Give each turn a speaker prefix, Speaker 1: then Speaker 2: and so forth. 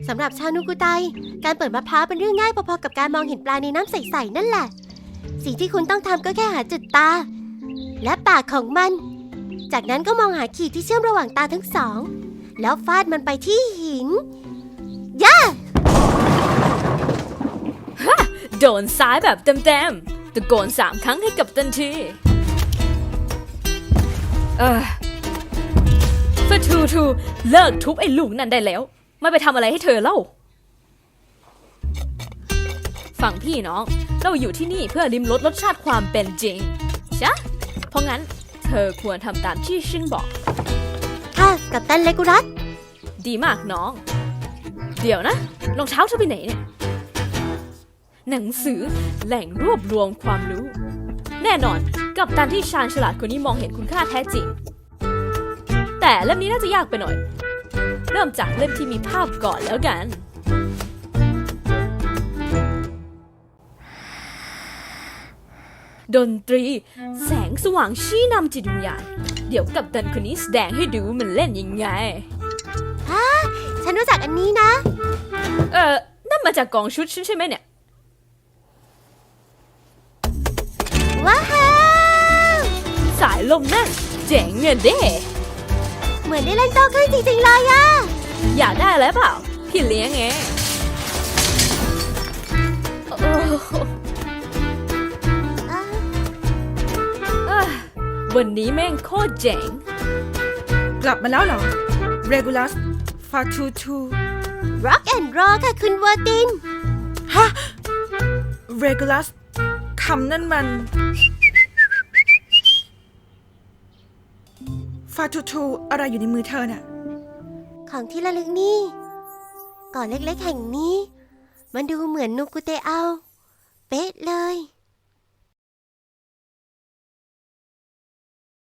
Speaker 1: สำหรับชาวนูกุไตการเปิดมะพร้าวเป็นเรื่องง่ายพอๆกับการมองเห็นปลาในน้ำใสๆนั่นแหละสิ่งที่คุณต้องทำก็แค่หาจุดตาและปากของมันจากนั้นก็มองหาขีดที่เชื่อมระหว่างตาทั้งสองแล้วฟาดมันไปที่หินย่า
Speaker 2: โดนซ้ายแบบเต็มๆตะโกน3 ครั้งให้กับทันทีฟาทูเลิกทุบไอ้ลูกนั่นได้แล้วไม่ไปทำอะไรให้เธอเล่าฟังพี่น้องเราอยู่ที่นี่เพื่อลิ้มรสชาติความเป็นจริงใช่เพราะงั้นเธอควรทำตามที่ฉันบอก
Speaker 1: ค่ะกัปตันเลกูรัส
Speaker 2: ดีมากน้องเดี๋ยวนะรองเท้าเธอไปไหนเนี่ยหนังสือแหล่งรวบรวมความรู้แน่นอนกัปตันที่ชาญฉลาดคนนี้มองเห็นคุณค่าแท้จริงแต่เล่มนี้น่าจะยากไปหน่อยเริ่มจากเล่มที่มีภาพก่อนแล้วกันดนตรีแสงสว่างชี้นำจิตวิญญาณเดี๋ยวกัปตันคนนี้แสดงให้ดูมันเล่นยังไง
Speaker 1: ฉันรู้จักอันนี้นะ
Speaker 2: นั่นมาจากกองชุดฉันใช่ไหมเนี่ย
Speaker 1: ว้าว
Speaker 2: สายลมนั่นเจ๋งเงินเด้
Speaker 1: เหมือนได้เล่นโต้คลื่นจริงๆเลยอะ
Speaker 2: อยากได้อะไรเปล่าพี่เลี้ยงไงวันนี้แม่งโคตรเจ๋ง
Speaker 3: กลับมาแล้วเหรอ Regulus Fatutu
Speaker 1: Rock and Roll ค่ะคุณวอร์ติน
Speaker 3: ฮะ Regulus คำนั่นมัน Fatutu อะไรอยู่ในมือเธอน่ะ
Speaker 1: ของที่ระลึกนี่ก่อนเล็กๆแห่งนี้มันดูเหมือนนูกุเตเอาเป๊ะเลย